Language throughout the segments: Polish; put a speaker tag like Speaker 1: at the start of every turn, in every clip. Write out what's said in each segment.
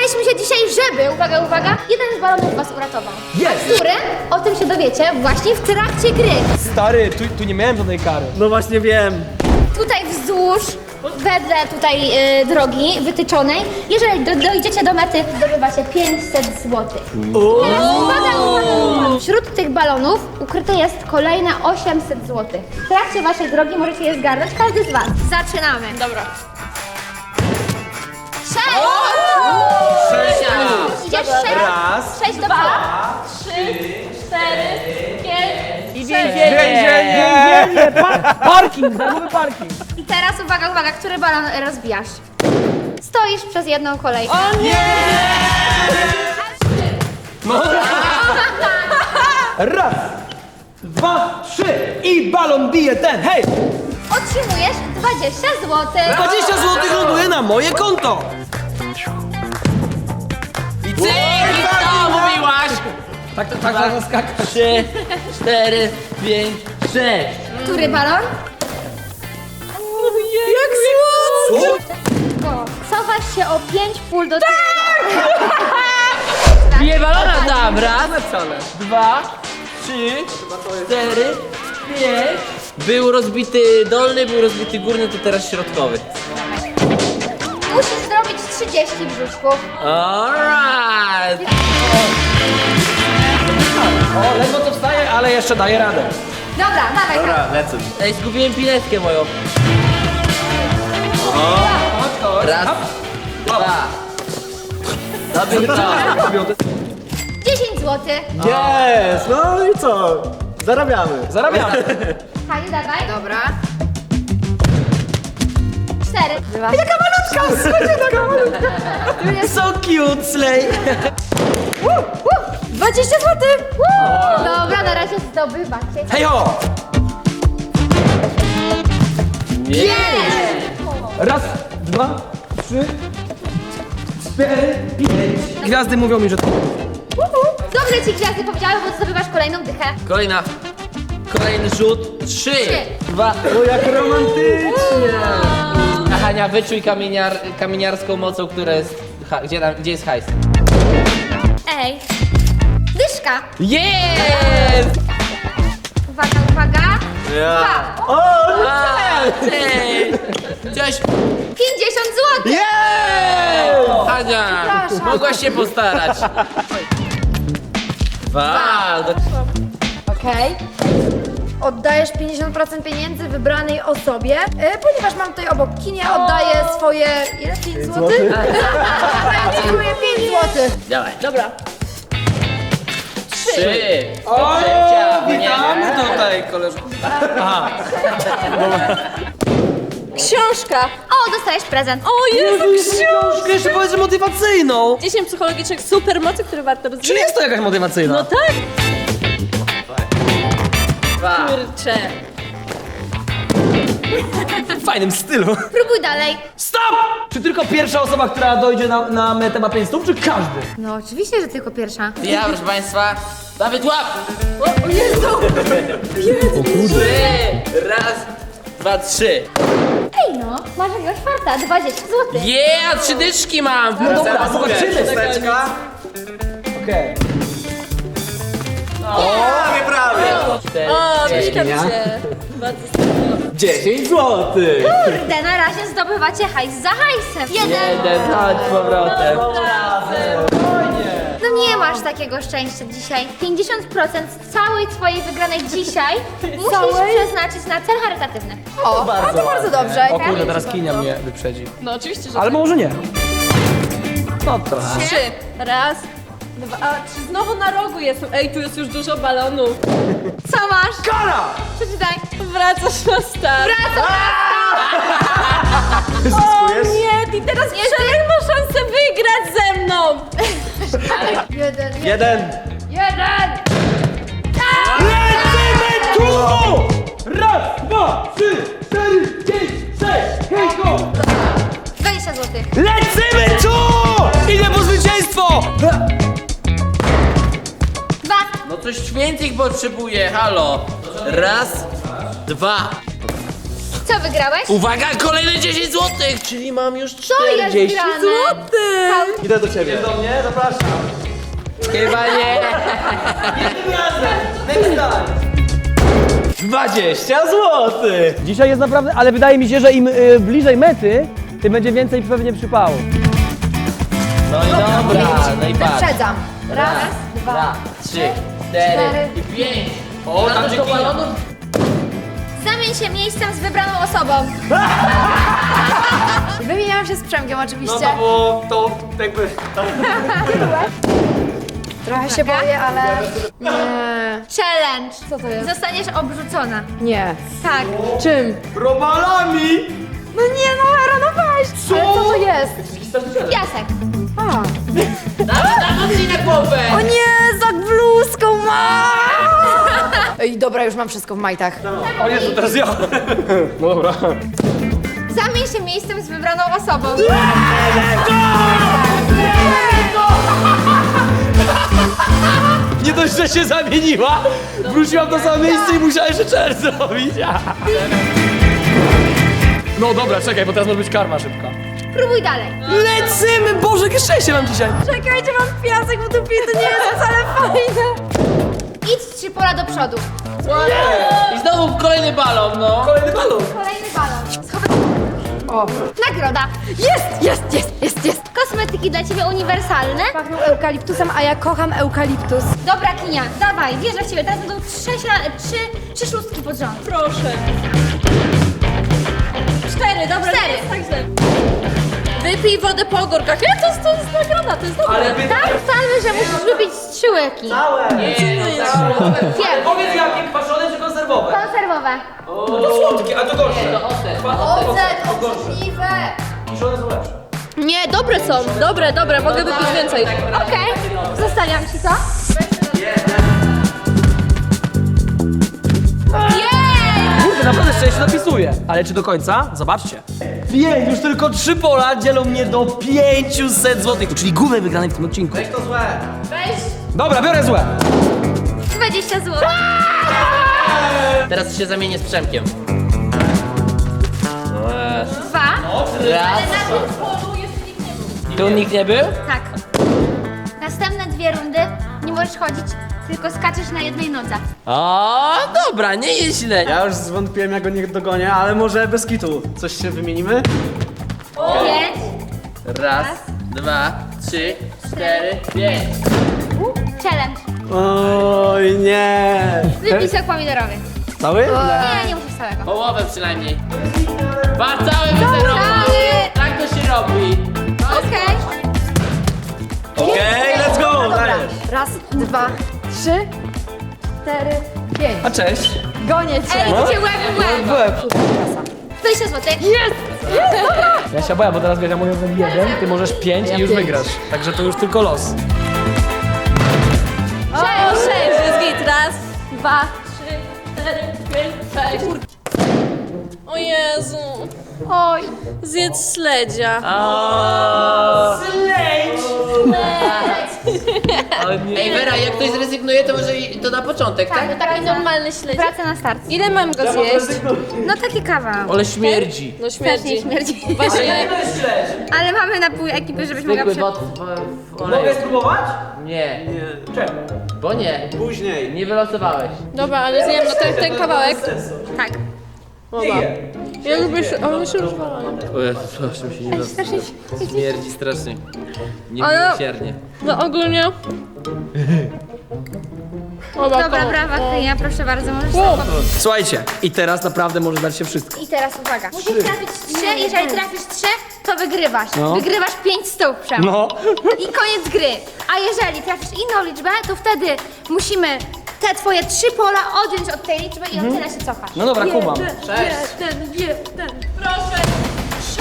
Speaker 1: Spotkaliśmy się dzisiaj, żeby, uwaga, uwaga, jeden z balonów was uratował.
Speaker 2: Jest!
Speaker 1: Który? O tym się dowiecie właśnie w trakcie gry.
Speaker 2: Stary, tu nie miałem żadnej kary.
Speaker 3: No właśnie wiem.
Speaker 1: Tutaj wzdłuż, wedle tutaj drogi wytyczonej, jeżeli dojdziecie do mety, zdobywacie 500 zł. Teraz uwaga, uwaga! Wśród tych balonów ukryte jest kolejne 800 zł. W trakcie waszej drogi możecie je zgarnąć, każdy z was. Zaczynamy.
Speaker 4: Dobra.
Speaker 1: 6! Idziesz 6?
Speaker 2: Raz.
Speaker 1: 6 do przodu.
Speaker 4: 3, 4, 5 i
Speaker 2: Więzienie!
Speaker 3: Parking, darmowy parking.
Speaker 1: I teraz uwaga, uwaga, który balon rozbijasz? Stoisz przez jedną kolejkę.
Speaker 4: O nie!
Speaker 2: Raz, dwa, trzy i balon bije ten, hej!
Speaker 1: Otrzymujesz 20 zł.
Speaker 2: 20 zł ląduje na moje konto!
Speaker 5: I cyk! I co mówiłaś?
Speaker 2: Tak zaskakać.
Speaker 5: 3, 4, 5, 6.
Speaker 1: Który balon?
Speaker 4: Jak słodko!
Speaker 1: O, cofasz się o 5 pól do tyłu.
Speaker 5: Bije balona tam. Raz, 2, 3, 4, 5. Był rozbity dolny, był rozbity górny, to teraz środkowy.
Speaker 1: Musisz zrobić 30 brzuszków.
Speaker 5: Alright!
Speaker 2: O, ledwo to wstaje, ale jeszcze daje radę.
Speaker 1: Dobra, dawaj.
Speaker 3: lecę.
Speaker 5: Ej, zgubiłem piletkę moją. Raz, dwa. Dobry to.
Speaker 1: 10 zł.
Speaker 3: Jest, no i co? Zarabiamy.
Speaker 2: Zarabiamy.
Speaker 1: Haniu, dawaj.
Speaker 4: Dobra.
Speaker 1: 4.
Speaker 2: Taka malutka! So cute, Slay!
Speaker 4: 20 zł!
Speaker 1: Dobra, na razie zdobywacie.
Speaker 2: Hej ho!
Speaker 5: Nie.
Speaker 2: Raz, dwa, trzy, cztery, pięć. Gwiazdy mówią mi, że to...
Speaker 1: Dobrze ci gwiazdy powiedziały, bo zdobywasz kolejną dychę.
Speaker 5: Kolejny rzut. 3, 2.
Speaker 3: O, jak romantycznie.
Speaker 5: A Hania, wyczuj kamieniarską mocą, która jest... Gdzie jest hajs?
Speaker 1: Ej. Dyszka.
Speaker 5: Jest!
Speaker 1: Uwaga, uwaga.
Speaker 3: Ja.
Speaker 1: Dwa.
Speaker 3: O,
Speaker 5: Ej! Coś...
Speaker 1: 50 zł.
Speaker 5: Hania, mogłaś się postarać. Dwa.
Speaker 4: Okej. Oddajesz 50% pieniędzy wybranej osobie, ponieważ mam tutaj obok kinie, oddaję swoje... Ile? 5 zł? Oddajesz 5 zł.
Speaker 5: Dawaj.
Speaker 4: Dobra.
Speaker 5: 3.
Speaker 2: O, witamy tutaj, koleżanko. Aha.
Speaker 4: Książka.
Speaker 1: O, dostajesz prezent.
Speaker 4: O Jezu,
Speaker 2: Książkę jeszcze powiedz, że motywacyjną.
Speaker 4: 10 psychologicznych supermocy, które warto
Speaker 2: Czyli
Speaker 4: rozwijać.
Speaker 2: jest to jakaś motywacyjna?
Speaker 4: No tak.
Speaker 5: 2.
Speaker 4: Kurczę.
Speaker 2: W fajnym stylu.
Speaker 1: Próbuj dalej.
Speaker 2: Stop! Czy tylko pierwsza osoba, która dojdzie na metę ma 5 stóp, czy każdy?
Speaker 1: No oczywiście, że tylko pierwsza.
Speaker 5: Ja, proszę państwa. Dawid, łap!
Speaker 4: O Jezu.
Speaker 5: 3. Raz, dwa, 3.
Speaker 1: Ej no, masz jakiegoś farta, 20 zł.
Speaker 5: Yeah, 3 dyszki mam!
Speaker 2: Dobra, zobaczymy. Okej.
Speaker 4: O, mieszkam cię. Bardzo spoko.
Speaker 3: 10 złotych.
Speaker 1: Kurde, na razie zdobywacie hajs za hajsem.
Speaker 5: Jeden, chodź z powrotem.
Speaker 1: No nie masz takiego szczęścia dzisiaj. 50% z całej twojej wygranej dzisiaj musisz przeznaczyć na cel charytatywny.
Speaker 4: O, a to bardzo dobrze.
Speaker 2: O kurde, teraz Kinia mnie wyprzedzi.
Speaker 4: No oczywiście, że
Speaker 2: Ale może nie. No to.
Speaker 4: 3. Raz, dwa, a, 3. Znowu na rogu jestem. Ej, tu jest już dużo balonów.
Speaker 1: Co masz?
Speaker 2: Kara!
Speaker 1: Przeczytaj.
Speaker 4: Wracasz na start. O
Speaker 3: Zyskujesz?
Speaker 4: nie, i teraz Przemek ma szansę wygrać ze mną.
Speaker 3: Jeden.
Speaker 2: Lecimy tu! Raz, dwa, trzy, cztery, pięć, sześć, hej go!
Speaker 1: 20 zł.
Speaker 2: Lecimy tu! Idę po zwycięstwo!
Speaker 1: 2.
Speaker 5: No coś więcej potrzebuję, halo. Raz, dwa.
Speaker 1: Co wygrałeś?
Speaker 5: Uwaga, kolejne 10 zł, czyli mam już
Speaker 1: Co jest
Speaker 5: 40
Speaker 1: grane?
Speaker 5: zł.
Speaker 3: Idę do ciebie.
Speaker 2: Do mnie, zapraszam.
Speaker 5: Chyba nie.
Speaker 2: Next time.
Speaker 3: 20 złotych.
Speaker 2: Dzisiaj jest naprawdę, ale wydaje mi się, że im bliżej mety, tym będzie więcej pewnie przypału.
Speaker 5: No i dobra, no i patrz.
Speaker 4: Wyprzedzam. Raz, dwa,
Speaker 5: 2, 3, 4 i 5. O, tam
Speaker 2: do
Speaker 5: gdzie balonów.
Speaker 1: Zamień się miejscem z wybraną osobą.
Speaker 4: Wymieniałam się z Przemkiem oczywiście.
Speaker 2: No to było to jakby...
Speaker 4: Trochę się boję, ale... Nie.
Speaker 1: Challenge.
Speaker 4: Co to jest?
Speaker 1: Zostaniesz obrzucona.
Speaker 4: Nie.
Speaker 1: Tak.
Speaker 4: Czym?
Speaker 2: Robalami!
Speaker 4: No nie, no Hera, no weź! Ale co to jest?
Speaker 1: Piasek.
Speaker 4: A.
Speaker 5: Dawaj na głowę.
Speaker 4: O nie, za bluzką ma! Ej, dobra, już mam wszystko w majtach.
Speaker 2: O Jezu, teraz ja. No dobra.
Speaker 1: Zamień się miejscem z wybraną osobą.
Speaker 2: Nie dość, że się zamieniła, wróciłam do samego miejsca i musiałem jeszcze czerw zrobić. No dobra, czekaj, bo teraz może być karma szybka.
Speaker 1: Próbuj dalej.
Speaker 2: Lecimy! Boże, jakie szczęście mam dzisiaj!
Speaker 4: Czekajcie, mam piasek w dupie, to nie jest wcale fajne.
Speaker 1: Idź 3 pola do przodu.
Speaker 5: I znowu kolejny balon, no.
Speaker 2: Kolejny balon!
Speaker 1: Kolejny balon. Schowaj.
Speaker 4: O.
Speaker 1: Nagroda.
Speaker 4: Jest.
Speaker 1: Kosmetyki dla ciebie uniwersalne.
Speaker 4: Pachną eukaliptusem, a ja kocham eukaliptus.
Speaker 1: Dobra, Kinia, dawaj, wierzę w ciebie. Teraz będą trzy szóstki pod rząd. Proszę. 4, dobra. 4.
Speaker 6: Także wypij wodę po ogórkach. Ja to jest nagroda, to jest dobre.
Speaker 2: Ale wy...
Speaker 1: Tak, ustalmy, że musisz wypić 3 łyki. Wiem.
Speaker 2: Powiedz jakie, kwaszone czy konserwowe?
Speaker 1: Konserwowe.
Speaker 2: To słodkie, a to gorsze.
Speaker 5: To ocet.
Speaker 4: Ocet, obrzydliwe.
Speaker 2: Kiszone są lepsze.
Speaker 6: Nie, dobre są. Dobre, mogę wypić więcej.
Speaker 1: Okej, zostawiam ci to. Jej!
Speaker 2: Kurde, naprawdę szczęście dopisuje. Ale czy do końca? Zobaczcie. 5, już tylko 3 pola dzielą mnie do 500 zł, czyli głównej wygranej w tym odcinku.
Speaker 3: Weź to złe.
Speaker 2: Dobra, biorę złe.
Speaker 1: 20 zł.
Speaker 5: Teraz się zamienię z Przemkiem.
Speaker 1: 2.
Speaker 5: Raz. Tu nikt nie był?
Speaker 1: Tak. Następne 2 rundy nie możesz chodzić, tylko skaczesz na jednej nodze.
Speaker 5: O, dobra, nie jest źle.
Speaker 3: Ja już zwątpiłem, jak go nie dogonię, ale może bez kitu. Coś się wymienimy?
Speaker 1: 5.
Speaker 5: Raz, 2, 3, 4, 5.
Speaker 1: Challenge.
Speaker 3: Oj, nie.
Speaker 1: Wypij sok pomidorowy.
Speaker 3: Cały?
Speaker 1: Nie, nie musisz całego.
Speaker 5: Połowę przynajmniej. Cały wyzerowy. Tak to się robi.
Speaker 1: Okej.
Speaker 3: Okej, let's go. Dajesz.
Speaker 4: Raz, dwa, 3, 4, 5.
Speaker 2: A cześć.
Speaker 4: Gonię cię.
Speaker 1: Ej, idzie łeb w łeb. 20 zł.
Speaker 2: Ja się boję, bo teraz wiesz, ja mogę zrobić 1, ty możesz 5 i już wygrasz. Także to już tylko los.
Speaker 6: O, 6, jest git. Raz, 2, 3, 4, 5, 6. O Jezu.
Speaker 1: Oj.
Speaker 6: Zjedz śledzia.
Speaker 5: Ej, Wera, jak ktoś zrezygnuje, to może to na początek, tak?
Speaker 1: Tak, taki
Speaker 6: Normalny śledzik.
Speaker 1: Wraca na start.
Speaker 6: Ile mam go zjeść?
Speaker 1: No taki kawał.
Speaker 5: Ale śmierdzi.
Speaker 6: No
Speaker 1: Strasznie
Speaker 6: śmierdzi.
Speaker 1: śmierdzi.
Speaker 6: Właśnie,
Speaker 1: Ale mamy na pół ekipy, żebyś mogła
Speaker 5: Zwykły w oleju.
Speaker 2: spróbować?
Speaker 5: Nie,
Speaker 2: Czemu?
Speaker 5: bo nie.
Speaker 3: Później.
Speaker 5: Nie wylosowałeś.
Speaker 6: dobra, ale zjem no ten kawałek.
Speaker 1: Tak.
Speaker 6: Ja lubię się, on mi się rozwala.
Speaker 5: O Jezu, proszę mi się nie
Speaker 1: Strasznie
Speaker 5: Śmierdzi strasznie.
Speaker 6: Ale-
Speaker 5: Niemiłosiernie.
Speaker 6: No ogólnie. Dobra,
Speaker 1: Dobra, brawa, Kryja, proszę bardzo, możesz sobie
Speaker 2: Słuchajcie, i teraz naprawdę może dać się wszystko.
Speaker 1: I teraz uwaga. Musisz trafić 3, jeżeli trafisz 3, to wygrywasz.
Speaker 2: No.
Speaker 1: Wygrywasz 5 stóp, Przem.
Speaker 2: No.
Speaker 1: I koniec gry. A jeżeli trafisz inną liczbę, to wtedy musimy te twoje 3 pola odjąć od tej liczby i od tyle się cofasz.
Speaker 2: No dobra, kumam.
Speaker 6: Proszę. 6.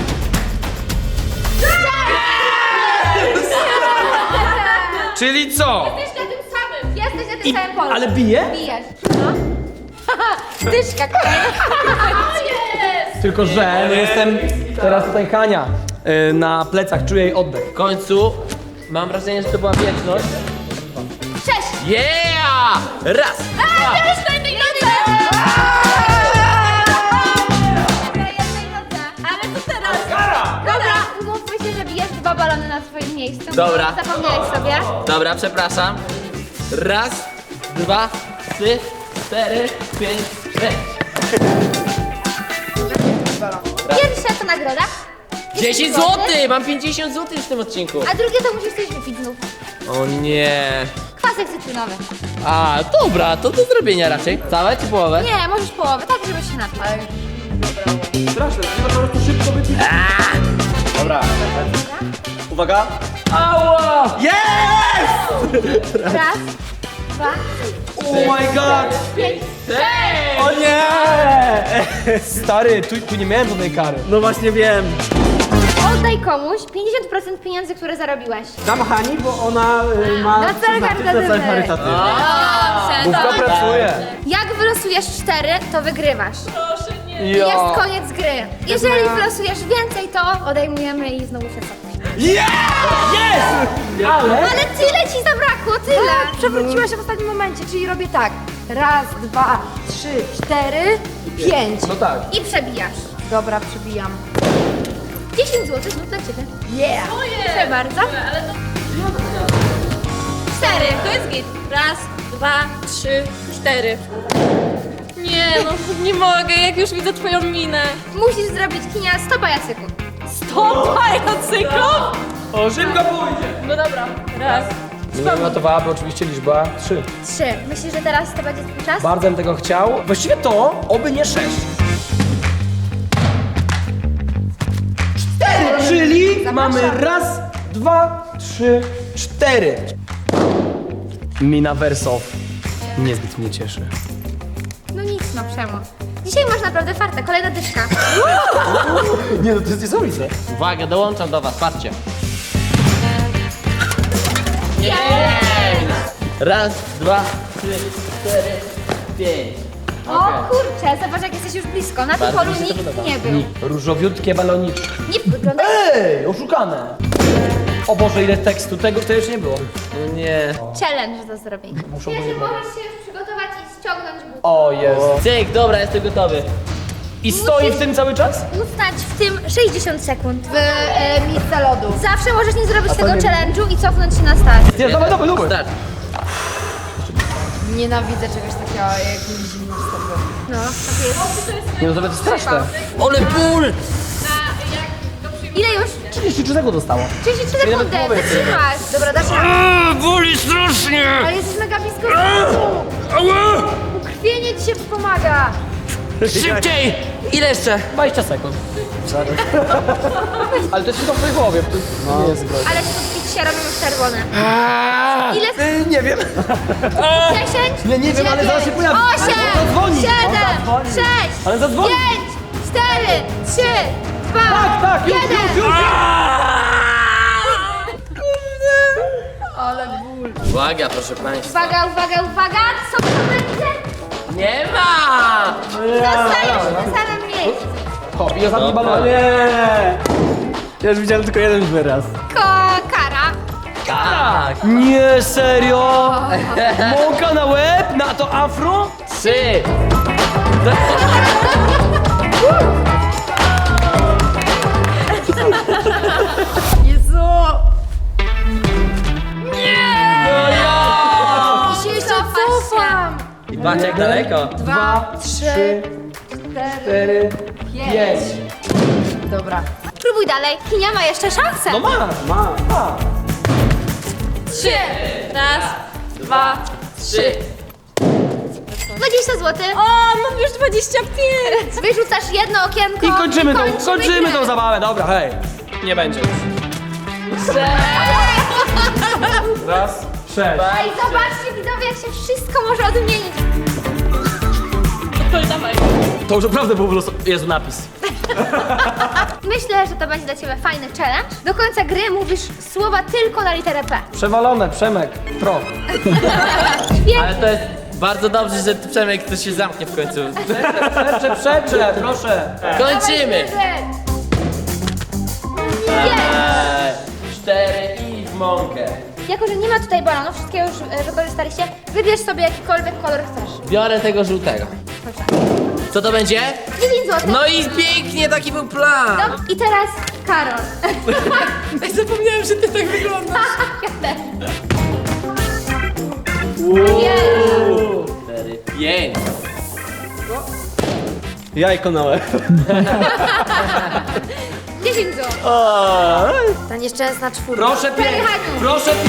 Speaker 2: Czyli co?
Speaker 1: Jesteś na tym samym. Jesteś na tym samym polu.
Speaker 2: Ale bije?
Speaker 1: Bijesz. No. Dyszka kolejna.
Speaker 2: Tylko, że no jestem teraz tutaj Hania. Na plecach czuję jej oddech.
Speaker 5: W końcu mam wrażenie, że to była wieczność.
Speaker 1: 6.
Speaker 5: Yeah! Raz, dwa,
Speaker 1: miejscu.
Speaker 5: Dobra.
Speaker 1: Zapomniałeś sobie.
Speaker 5: Dobra, przepraszam. Raz, dwa, trzy, cztery, pięć, sześć.
Speaker 1: Pierwsza to nagroda.
Speaker 5: 10 złotych! Mam 50 złotych w tym odcinku.
Speaker 1: A drugie to musisz coś wypić znów.
Speaker 5: O nie.
Speaker 1: Kwasek cytrynowy.
Speaker 5: A, dobra, to do zrobienia raczej. Całe czy połowę?
Speaker 1: Nie, możesz połowę, tak żeby się napił.
Speaker 3: Straszne, trzeba po prostu szybko wypić. Dobra. Uwaga.
Speaker 5: Ała!
Speaker 3: Jest!
Speaker 1: Raz, dwa,
Speaker 2: Oh my god!
Speaker 1: pięć.
Speaker 5: Hej!
Speaker 2: O nie! Stary, tu nie miałem żadnej kary.
Speaker 3: No właśnie wiem.
Speaker 1: Oddaj komuś 50% pieniędzy, które zarobiłeś.
Speaker 3: Dam Hani, bo ona ma
Speaker 4: Na cel
Speaker 3: przeznaczyć na cel
Speaker 4: charytatywny.
Speaker 3: charytatywny.
Speaker 2: Główka pracuje.
Speaker 1: Jak wylosujesz 4, to wygrywasz.
Speaker 6: Proszę, nie.
Speaker 1: I jest koniec gry. Jeżeli wylosujesz więcej, to odejmujemy i znowu się cofniesz. Ale tyle ci zabrakło, tyle.
Speaker 4: Przewróciła się w ostatnim momencie, czyli robię tak. Raz, dwa, trzy, cztery, pięć.
Speaker 2: No tak.
Speaker 1: I przebijasz.
Speaker 4: Dobra, przybijam.
Speaker 1: 10 zł znów dla ciebie.
Speaker 4: Yeah!
Speaker 1: Proszę bardzo.
Speaker 6: Ale to
Speaker 1: 4.
Speaker 6: to jest git. Raz, dwa, trzy, cztery. Nie no, nie mogę, jak już widzę twoją minę.
Speaker 1: Musisz zrobić kinia 100 pajacyków.
Speaker 6: 100 pajacyków?
Speaker 2: O, szybko pójdzie.
Speaker 6: No dobra, raz.
Speaker 2: Nie notowałaby oczywiście liczba 3.
Speaker 1: 3. Myślisz, że teraz to będzie twój czas?
Speaker 2: Bardzo bym tego chciał. Właściwie to, oby nie 6. 4, czyli mamy raz, dwa, trzy, 4. Mina Wersow niezbyt mnie cieszy.
Speaker 1: No nic, no Przemo. Dzisiaj masz naprawdę farta, kolejna dyszka.
Speaker 2: Nie no, to jest niesamowite.
Speaker 5: Uwaga, dołączam do was, patrzcie. Raz, dwa, trzy, cztery, pięć.
Speaker 1: O kurczę, zobacz jak jesteś już blisko. Na tym
Speaker 5: Bardzo
Speaker 1: polu
Speaker 5: mi się to
Speaker 1: nikt
Speaker 5: podoba.
Speaker 1: nie był.
Speaker 2: Różowiutkie baloniczki.
Speaker 1: Nie wygląda.
Speaker 2: Ej, oszukane. O Boże, ile tekstu, tego to jeszcze nie było.
Speaker 5: No nie.
Speaker 1: Challenge do zrobienia.
Speaker 2: Muszą
Speaker 1: Wiesz,
Speaker 2: być
Speaker 1: możesz się już przygotować i ściągnąć but.
Speaker 2: O Jezu.
Speaker 5: Cyk, dobra, jestem gotowy.
Speaker 2: I stoi w tym cały czas?
Speaker 1: Ustać w tym 60 sekund.
Speaker 4: W miejsce lodu.
Speaker 1: Zawsze możesz nie zrobić tego challenge'u i cofnąć się na start.
Speaker 2: Nie, dawaj, dawaj, dawaj.
Speaker 5: Start.
Speaker 4: Nienawidzę czegoś takiego jak zimno w stopy.
Speaker 1: No, tak jest.
Speaker 2: Nie no, to będzie straszne.
Speaker 5: Ole ból!
Speaker 1: Ile już?
Speaker 2: 33 sekundy dostało.
Speaker 1: 33 sekundy, wytrzymasz.
Speaker 4: Dobra, dasz radę.
Speaker 2: Boli strasznie!
Speaker 4: Ale jesteś mega blisko. Ukrwienie ci się pomaga.
Speaker 5: Szybciej! Ile jeszcze?
Speaker 2: 20 sekund. Ale to jest tylko w twojej głowie, to nie jest groźne.
Speaker 1: Ale tu się robią już czerwone. Ile?
Speaker 2: Nie wiem.
Speaker 1: 10?
Speaker 2: Nie wiem, ale zaraz się pojawi.
Speaker 1: 8,
Speaker 2: Ale zadzwoni.
Speaker 1: 7,
Speaker 2: On zadzwoni.
Speaker 1: 6,
Speaker 2: Ale zadzwoni.
Speaker 1: 5, 4, 3, 2,
Speaker 2: Tak, już,
Speaker 1: 1.
Speaker 2: już, już.
Speaker 5: Uwaga, proszę państwa.
Speaker 1: Uwaga, uwaga, uwaga! Co to będzie?
Speaker 5: Nie ma!
Speaker 1: Zostajesz w tym samym miejscu.
Speaker 2: Hop, i ostatni balon.
Speaker 3: Nie. Ja już widziałem tylko jeden wyraz.
Speaker 1: Kara.
Speaker 5: Tak!
Speaker 2: Nie, serio? Mąka na łeb? Na to afro?
Speaker 5: 3.
Speaker 4: Jezu.
Speaker 1: I się jeszcze
Speaker 4: Cofam.
Speaker 5: I patrz jak daleko.
Speaker 4: 2, 3,
Speaker 2: 4, 5.
Speaker 4: Dobra.
Speaker 1: Próbuj dalej. Kinia ma jeszcze szansę.
Speaker 2: No ma.
Speaker 6: 3. Raz, dwa,
Speaker 5: 3.
Speaker 1: 20 zł.
Speaker 6: O, mam już 25.
Speaker 1: Wyrzucasz jedno okienko.
Speaker 2: I kończymy
Speaker 1: grę.
Speaker 2: tą zabawę, dobra, hej. Nie będzie już. Raz, 6.
Speaker 1: Ej, zobaczcie widzowie, jak się wszystko może odmienić.
Speaker 6: To dawaj.
Speaker 2: To już naprawdę był Jezu napis.
Speaker 1: Myślę, że to będzie dla ciebie fajny challenge. Do końca gry mówisz słowa tylko na literę P.
Speaker 2: Przewalone, Przemek, pro.
Speaker 5: Ale to jest bardzo dobrze, że Przemek to się zamknie w końcu.
Speaker 2: Przecze, proszę.
Speaker 5: Kończymy!
Speaker 1: Nie.
Speaker 5: 4 i w mąkę.
Speaker 1: Jako, że nie ma tutaj balonów, wszystkiego już wykorzystaliście, wybierz sobie jakikolwiek kolor chcesz.
Speaker 5: Biorę tego żółtego.
Speaker 1: Proszę.
Speaker 5: Co to będzie?
Speaker 1: 10 zł.
Speaker 5: No i pięknie, taki był plan.
Speaker 1: No, i teraz Karol.
Speaker 5: Zapomniałem, że ty tak wyglądasz.
Speaker 1: Ja też.
Speaker 5: 4, 5.
Speaker 3: Jajko na łeb.
Speaker 1: 10 zł.
Speaker 4: Ta nieszczęsna czwórka.
Speaker 2: Proszę 5,
Speaker 1: Haniu.
Speaker 2: proszę 5.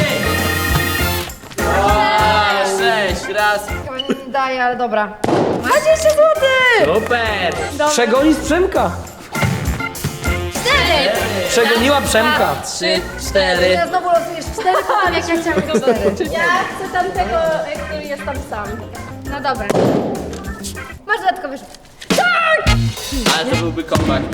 Speaker 5: 6, raz.
Speaker 4: Chyba nie daje, ale dobra. 20 zł!
Speaker 5: Super.
Speaker 2: Przegoni z Przemka.
Speaker 1: 4.
Speaker 2: Przegoniła Przemka.
Speaker 5: 3, 4.
Speaker 4: Ja znowu losujesz 4, powiem jak ja chciałam 4.
Speaker 6: Ja chcę tamtego, który jest tam sam.
Speaker 1: No dobra. Masz dodatkowy rzut.
Speaker 5: Ale to byłby comeback.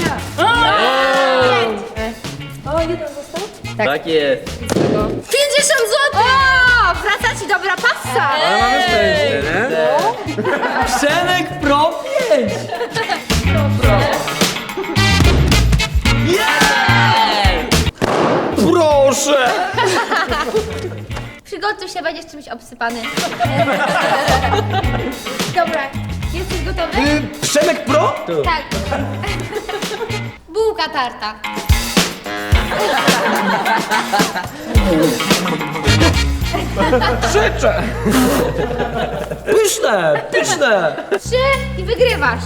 Speaker 6: O, jeden został?
Speaker 5: Tak jest.
Speaker 1: 50 zł! O! Wraca ci dobra pasa!
Speaker 3: Ale mamy szczęście, nie?
Speaker 2: Przemek Pro 5. Proszę.
Speaker 1: Przygotuj się, będziesz czymś obsypany. Dobra, jesteś gotowy?
Speaker 2: Przemek Pro?
Speaker 1: Tak. Bułka tarta.
Speaker 2: Krzyczę. Pyszne, pyszne.
Speaker 1: 3 i wygrywasz.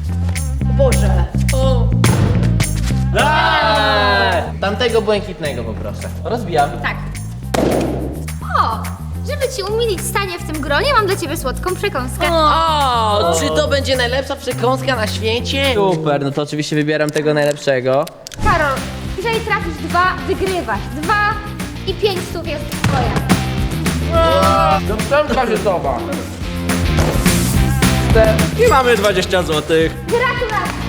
Speaker 5: Tamtego błękitnego poproszę. Rozbijam.
Speaker 1: Tak. O! Żeby ci umilić stanie w tym gronie, mam dla ciebie słodką przekąskę.
Speaker 5: O, czy to będzie najlepsza przekąska na świecie? Super, no to oczywiście wybieram tego najlepszego.
Speaker 1: Karol, jeżeli trafisz 2, wygrywasz. 2 i 5 stów jest twoja.
Speaker 5: Do Przemka się soba.
Speaker 3: I mamy 20 zł.
Speaker 1: Gratulacje!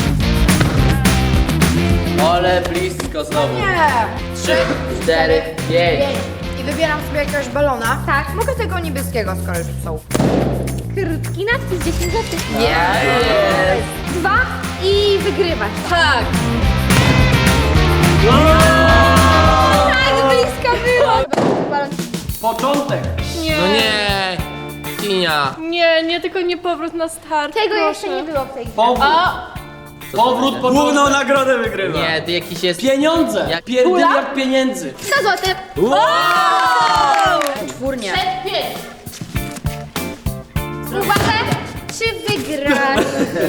Speaker 5: Ale blisko znowu.
Speaker 4: Nie!
Speaker 5: 3, 4, 5.
Speaker 4: I wybieram sobie jakiegoś balona.
Speaker 1: Tak.
Speaker 4: Mogę tego niebieskiego, skoro już są.
Speaker 1: Krótki nadpis 10 zł.
Speaker 4: Nie!
Speaker 1: 2 i wygrywasz.
Speaker 6: Tak.
Speaker 1: Tak blisko było! Balon.
Speaker 2: Początek.
Speaker 6: Nie.
Speaker 5: No nie. Kinia.
Speaker 6: Nie, tylko nie powrót na start.
Speaker 1: Tego
Speaker 6: proszę.
Speaker 1: jeszcze nie było w tej grze.
Speaker 2: Powrót. Powrót,
Speaker 3: Główną
Speaker 2: początek.
Speaker 3: nagrodę wygrywa.
Speaker 5: Nie, ty jakiś jest...
Speaker 2: Pieniądze.
Speaker 5: Jak
Speaker 2: Pierdyliard pieniędzy.
Speaker 1: 100 zł.
Speaker 4: Czwórnie.
Speaker 1: Uwaga, czy wygrasz?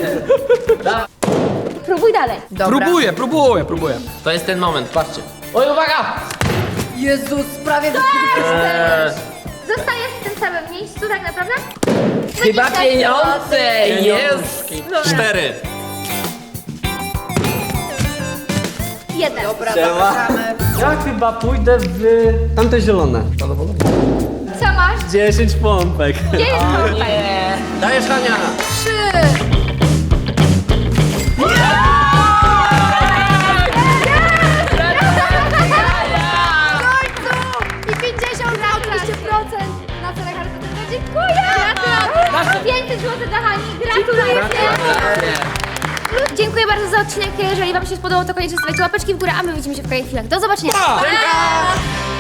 Speaker 1: Próbuj dalej.
Speaker 4: Dobra.
Speaker 2: Próbuję.
Speaker 5: To jest ten moment, patrzcie. Oj, uwaga!
Speaker 4: Jezus, prawie
Speaker 1: Zostajesz w tym samym miejscu tak naprawdę?
Speaker 5: Chyba
Speaker 1: 20
Speaker 5: pieniądze! Jest!
Speaker 3: 4.
Speaker 1: 1.
Speaker 4: Dobra,
Speaker 3: Siema.
Speaker 4: zapraszamy.
Speaker 3: Ja chyba pójdę w tamte zielone.
Speaker 1: Co masz?
Speaker 3: 10 pompek.
Speaker 1: Gdzie jest pompek?
Speaker 5: Dajesz, Hania!
Speaker 4: 3! I 50 na oczywiście procent na cele charytatywne. Dziękuję!
Speaker 1: Gratulacje! 500 zł dla Hani. Gratuluję! Dziękuję bardzo za odcinek. Jeżeli wam się spodobał, to koniecznie stawiajcie łapeczki w górę, a my widzimy się w kolejnych chwilach. Do zobaczenia!
Speaker 2: Pa!
Speaker 1: Pa!